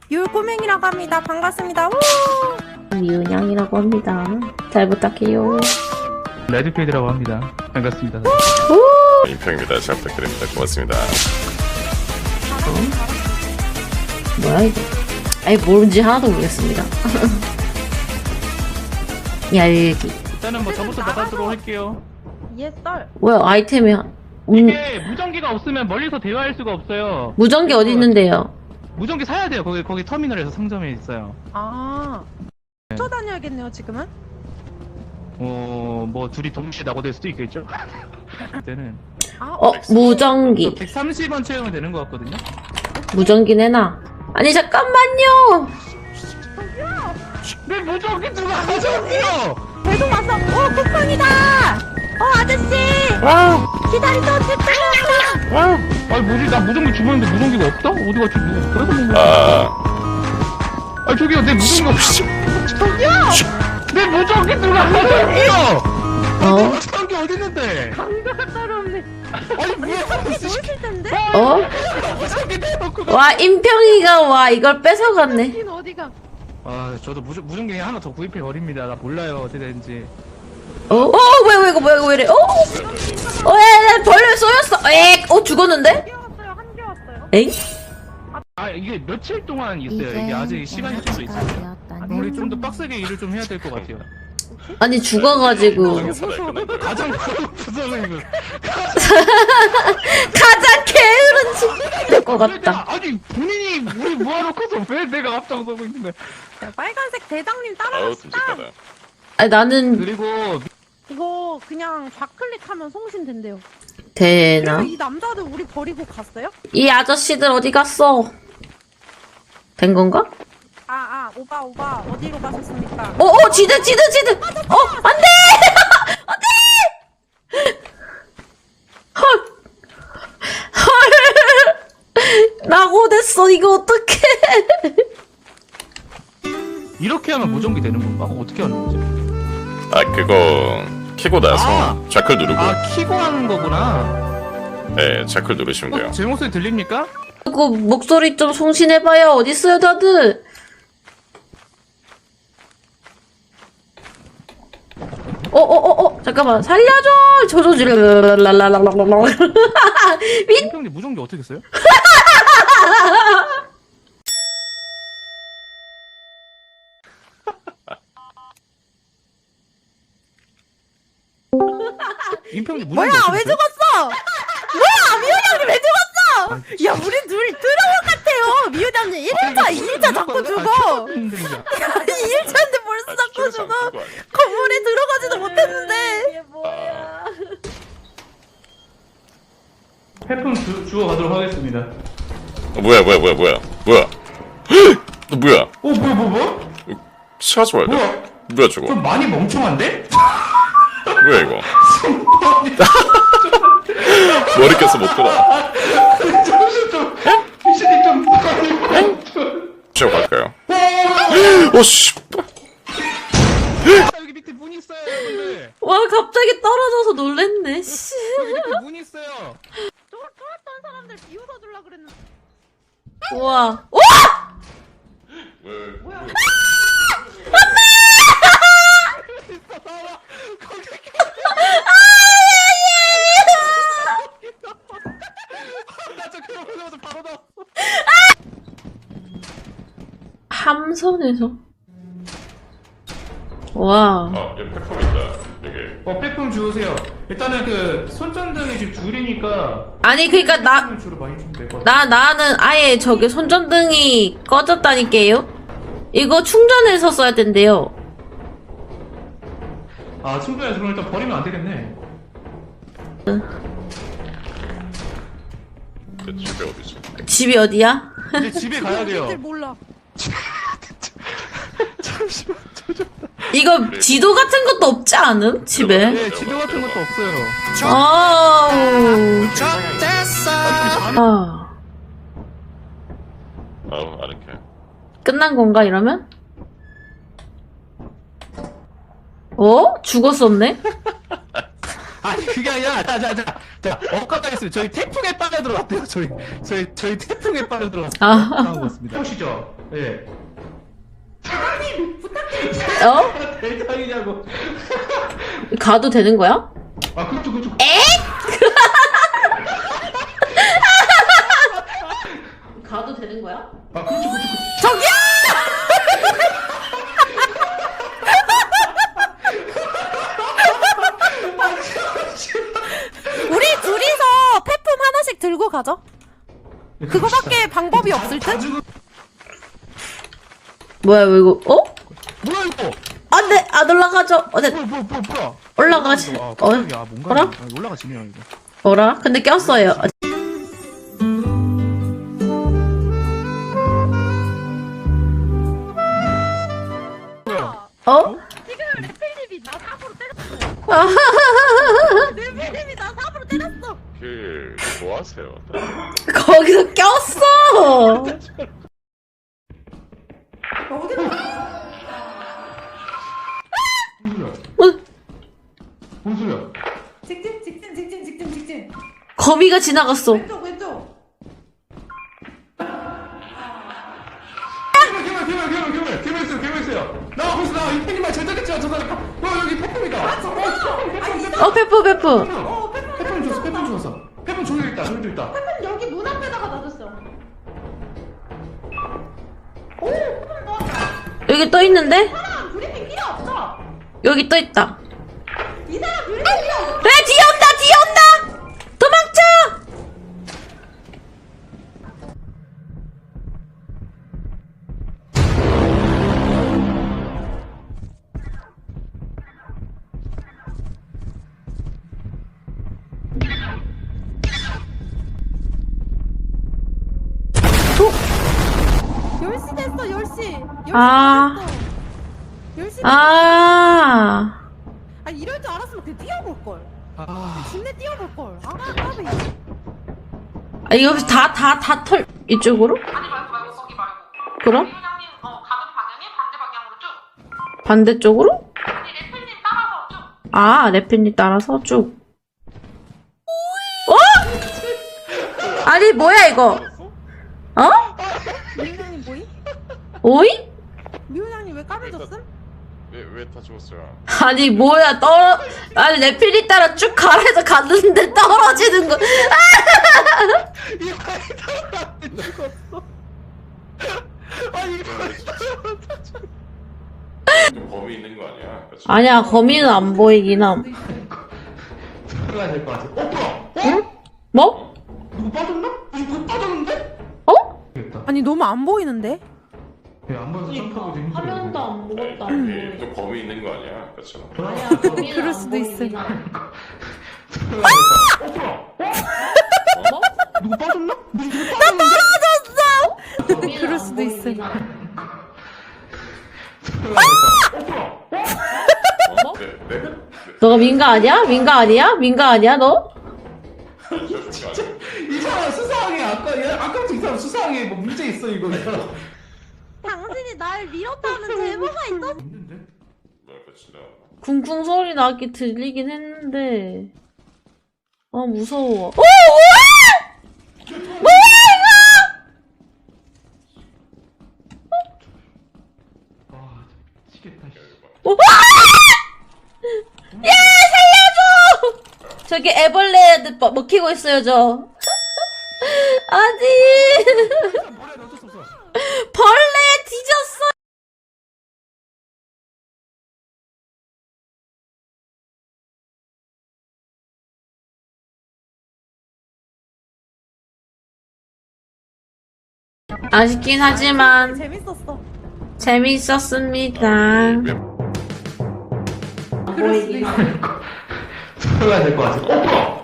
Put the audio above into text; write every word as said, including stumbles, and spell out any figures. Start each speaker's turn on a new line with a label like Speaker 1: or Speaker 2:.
Speaker 1: 율꼬맹이라고 합니다. 반갑습니다. 우!
Speaker 2: 미은양이라고 합니다. 잘 부탁해요.
Speaker 3: 레드필드라고 합니다. 반갑습니다.
Speaker 4: 임평입니다. 잘 부탁드립니다. 고맙습니다.
Speaker 2: 뭐야 이거? 아니 뭔지 하나도 모르겠습니다. 얄기.
Speaker 3: 일단은 뭐 저부터 나가도록 할게요.
Speaker 1: 예, 썰.
Speaker 2: 뭐야 아이템이 한- 음,
Speaker 3: 이게 무전기가 없으면 멀리서 대화할 수가 없어요.
Speaker 2: 무전기 어디 있는데요?
Speaker 3: 무전기 사야 돼요. 거기 거기 터미널에서 상점에 있어요.
Speaker 1: 아. 쫓아다녀야겠네요, 지금은.
Speaker 3: 어, 뭐 둘이 동시에 낙오될 수도 있겠죠. 그때는
Speaker 1: 아,
Speaker 2: 어 무전기.
Speaker 3: 백삼십 원 채우면 되는 것 같거든요.
Speaker 2: 무전기 내놔. 아니 잠깐만요.
Speaker 3: 내 무전기 누가 가져왔어요?
Speaker 1: 배송 왔어. 오, 쿠팡이다. 어, 아저씨.
Speaker 2: 와.
Speaker 1: 기다리던 집중.
Speaker 2: 와.
Speaker 3: 아니 뭐지? 나 무전기 주문했는데 무전기가 없다? 어디 갔지? 누구 그래서 뭐?
Speaker 4: 아,
Speaker 3: 아 저기요 내 무전기 없어. 저기요. 내 무전기 누가 가져왔어요?
Speaker 2: 어?
Speaker 3: 무전기 어디 있는데?
Speaker 1: 강도가 따로 없네.
Speaker 3: 아니 뭐야?
Speaker 1: 보이실 텐데?
Speaker 2: 어?
Speaker 3: 무전기 내놓고 가.
Speaker 2: 와 임평이가 와 이걸 뺏어갔네.
Speaker 1: 여긴 어디가?
Speaker 3: 아 저도 무전 무전기 하나 더 구입해 버립니다. 나 몰라요 어떻게 되는지.
Speaker 2: 어? 어 뭐야 왜 이거 뭐야 이거 왜 이래? 어? 어? 에 벌레 쏘였어. 에? 어 죽었는데?
Speaker 1: 한 개 왔어요. 한 개 왔어요.
Speaker 2: 에이?
Speaker 3: 아 이게 며칠 동안 있어요. 이게 아직 시간이 좀 있어요. 우리 좀 더 빡세게 일을 좀 해야 될 것 같아요.
Speaker 2: 아니 죽어가지고
Speaker 4: 세상에 살아있구나.
Speaker 3: 가장 부서는
Speaker 2: 가장 게으른 집될것 같다.
Speaker 3: 아니 본인이 우리 모아놓고서 왜 내가 앞장서고 있는데?
Speaker 1: 자, 빨간색 대장님
Speaker 4: 아우,
Speaker 1: 따라갑시다.
Speaker 4: 끔찍하다.
Speaker 2: 아니 나는
Speaker 3: 그리고
Speaker 1: 이거 그냥 좌클릭하면 송신된대요.
Speaker 2: 되나?
Speaker 1: 그리고 이 남자들 우리 버리고 갔어요?
Speaker 2: 이 아저씨들 어디 갔어? 된 건가?
Speaker 1: 아, 아, 오바, 오바, 어디로 가셨습니까?
Speaker 2: 어, 어, 지드, 지드, 지드! 어, 안 돼! 안 돼! 헐! 헐! 낙오됐어, 이거 어떡해!
Speaker 3: 이렇게 하면 무전기 되는 건가? 어떻게 하는 거지?
Speaker 4: 아, 그거 키고 나서
Speaker 3: 아.
Speaker 4: 좌클 누르고,
Speaker 3: 아 키고 하는 거구나.
Speaker 4: 네, 좌클 누르시면 돼요.
Speaker 3: 어, 제 목소리 들립니까?
Speaker 2: 그거 목소리 좀 송신해봐요. 어딨어요, 다들? 어, 어, 어, 어, 잠깐만. 살려줘! 저저 지르, 민,
Speaker 3: 임평님 무전기 어떻게 써요? 임평님 무전기
Speaker 1: 뭐야,
Speaker 3: 어떻게
Speaker 1: 왜
Speaker 3: 써요?
Speaker 1: 죽었어? 뭐야, 미호장님 왜 죽었어? 야, 우리 둘이 드라마 같아요. 미호장님 일 일차, 이 일차 자꾸 죽어. 이 일차인데 벌써 자꾸 죽어. 건물에 들어가지도 못했는데. 이게 뭐야.
Speaker 3: 폐품 주, 주워 가도록 하겠습니다.
Speaker 4: 어, 뭐야, 뭐야, 뭐야, 뭐야, 뭐야? 너 뭐야?
Speaker 3: 어 뭐야 뭐 뭐?
Speaker 4: 시가지 말자.
Speaker 3: 뭐야?
Speaker 4: 뭐야, 저거?
Speaker 3: 좀 많이 멍청한데?
Speaker 4: 뭐야, 이거? 머리 껴서 못 돌아.
Speaker 3: 정신 좀 귀신이 좀 많이 멍청.
Speaker 4: 시작 갈까요? 어, 씨.
Speaker 3: 아, 여기 밑에 문 있어요 여러분들.
Speaker 2: 와, 갑자기 떨어져서 놀랬네, 씨.
Speaker 3: 여기 밑에 문 있어요.
Speaker 1: 쫄, 쫄았던 사람들 비웃어주려고 그랬는데.
Speaker 2: 우와. 오!
Speaker 1: 뭐야.
Speaker 3: 나저 결혼하자마자 바로 나왔어.
Speaker 2: 함선에서. 와.
Speaker 4: 아, 여기 팩폼 있다. 여기.
Speaker 3: 어 폐품 주우세요. 일단은 그 손전등이 지금 줄이니까
Speaker 2: 아니, 그니까 나,
Speaker 3: 폐품을 주로 많이 주면 될 것 같아.
Speaker 2: 나, 나는 아예 저기 손전등이 꺼졌다니까요? 이거 충전해서 써야 된대요.
Speaker 3: 아 친구야 그럼 일단 버리면 안 되겠네.
Speaker 4: 그 집에 어디지?
Speaker 2: 집이 어디야?
Speaker 3: 이제 집에 가야 돼요.
Speaker 1: 애들 몰라.
Speaker 3: 잠시만 잠시만.
Speaker 2: 이거 지도 같은 것도 없지 않음? 집에?
Speaker 3: 네 지도 같은 것도 없어요.
Speaker 2: 아우. 아.
Speaker 4: 아우, 아늑해.
Speaker 2: 끝난 건가, 이러면? 어? 죽었었네?
Speaker 3: 아니 그게 아니라 자자자 자 엇가까 했으면 저희 태풍에 빠져 들어갔대요. 저희 저희 저희 태풍에 빠져 들어갔어요.
Speaker 2: 아.
Speaker 3: 당한 것 같습니다. 보시죠. 예.
Speaker 2: 어?
Speaker 3: 대장이냐고.
Speaker 2: 가도 되는 거야?
Speaker 3: 아, 그쪽, 그쪽.
Speaker 2: 가도 되는 거야?
Speaker 3: 아, 그쪽, 그쪽.
Speaker 1: 저기요! 우리 둘이서 폐품 하나씩 들고 가죠. 그거밖에 방법이 없을 듯?
Speaker 2: 뭐야, 이거, 어?
Speaker 3: 뭐야, 이거?
Speaker 2: 안 돼! 안 올라가죠? 어, 네.
Speaker 3: 뭐야, 뭐야, 뭐야, 뭐야.
Speaker 2: 올라가지.
Speaker 3: 아,
Speaker 2: 어,
Speaker 3: 깜짝이야. 뭔가.
Speaker 2: 뭐라?
Speaker 3: 아, 올라가지네요, 이거.
Speaker 2: 뭐라? 근데 꼈어요. 어?
Speaker 1: 지금 레필님이 나 삽으로 때렸어.
Speaker 2: 아,
Speaker 1: 레필님이 나 삽으로 때렸어.
Speaker 4: 그, 뭐 하세요?
Speaker 2: 거기서 꼈어!
Speaker 3: 뭔 소리야?
Speaker 2: 어,
Speaker 3: 뭔 소리야?
Speaker 5: 직진 직진 직진 직진 직진
Speaker 2: 거미가 지나갔어.
Speaker 5: 왼쪽 왼쪽
Speaker 3: 괴물, 괴물, 괴물, 괴물, 괴물 있어요, 괴물 있어요. 나와, 벌써 나와. 이 팬이만 제작했잖아, 저 사람. 어, 여기 팬품이다.
Speaker 2: 어, 페프, 페프.
Speaker 5: 어 페퍼
Speaker 3: 팬품 줬어, 팬품 줬어. 팬품 저기도 있다, 저기도 있다.
Speaker 5: 페퍼 여기 문 앞에다가 놔뒀어
Speaker 2: 여기 떠 있는데?
Speaker 5: 사람 브리핑 필요 없어
Speaker 2: 여기 떠 있다.
Speaker 5: 이 사람 브리핑 필요 없어
Speaker 2: 왜 뒤에 온다, 뒤에 온다! 도망쳐!
Speaker 1: 열 시 됐어, 열 시. 열 시
Speaker 2: 아.
Speaker 1: 됐어. 열 시.
Speaker 2: 아,
Speaker 1: 아, 이럴 줄 알았으면 그냥 뛰어볼걸.
Speaker 3: 아,
Speaker 1: 진내 뛰어볼걸. 아, 까비.
Speaker 2: 아 이거 혹시 다, 다, 다 털, 이쪽으로?
Speaker 6: 아니 말고 말고 거기 말고
Speaker 2: 그럼?
Speaker 6: 회장님 어 가는 방향이 반대 방향으로 쭉
Speaker 2: 반대쪽으로?
Speaker 6: 아니 래플님 따라서 쭉
Speaker 2: 아, 래핀이 따라서 쭉. 어? 아니, 뭐야, 이거? 어?
Speaker 1: 미호장님 뭐이?
Speaker 2: 오이?
Speaker 1: 미호장님 왜 까매졌음?
Speaker 4: 왜, 왜 다 죽었어요?
Speaker 2: 아니, 뭐야, 떨어, 아니, 래핀이 따라 쭉 가래서 갔는데 떨어지는 거.
Speaker 3: 이 아이다 안 죽었어. 아, 이거.
Speaker 4: 좀 범위 있는 거 아니야? 그치?
Speaker 2: 아니야, 거미는 안 보이긴 함.
Speaker 3: 들어가야 될 것 같아. 어, 뭐야?
Speaker 2: 응? 뭐?
Speaker 3: 누구 빠졌나? 누구 빠졌는데?
Speaker 2: 어?
Speaker 3: 됐다.
Speaker 1: 아니, 너무 안 보이는데?
Speaker 3: 예, 안 보여서 점프하고 되는 거
Speaker 2: 화면도 안 보였다.
Speaker 4: 여기 좀 범위 있는 거 아니야? 그치?
Speaker 2: 아니야, 거미는
Speaker 1: 그럴
Speaker 2: 안
Speaker 1: 수도 있어.
Speaker 2: 보이긴 함.
Speaker 3: 어, 뭐야?
Speaker 2: 뭐?
Speaker 3: 누구 빠졌나? 누구 빠졌는데?
Speaker 2: 거미는
Speaker 1: 그럴
Speaker 2: 안
Speaker 1: 수도
Speaker 2: 보이긴
Speaker 1: 있어.
Speaker 2: 함.
Speaker 3: 어, 뭐야?
Speaker 2: 뭐?
Speaker 4: 네, 네. 네.
Speaker 2: 너가 민가 아니야? 민가 아니야? 민가 아니야, 너?
Speaker 3: 진짜 이 사람 수상해. 아까 얘 아까부터 이 사람 수상해. 뭐 문제 있어 이거.
Speaker 1: 당신이 날 밀었다는 제보가 있어?
Speaker 3: 있는데?
Speaker 4: 뭐야, 그치? 나.
Speaker 2: 쿵쿵 소리 나게 들리긴 했는데. 아, 무서워. 오! 뭐야! 뭐야,
Speaker 3: 아, 미치겠다. 씨.
Speaker 2: 이거! 와! 야, 살려줘! 저기 애벌레 먹- 먹히고 있어요, 저. 아니.
Speaker 3: 뭐래, 어쩔 수 없어.
Speaker 2: 벌레 뒤졌어! 아쉽긴 하지만
Speaker 1: 재밌었어.
Speaker 2: 재밌었습니다.
Speaker 4: 왜
Speaker 2: 보이긴
Speaker 3: 들어가야 될 것 같아. 어, 뭐야?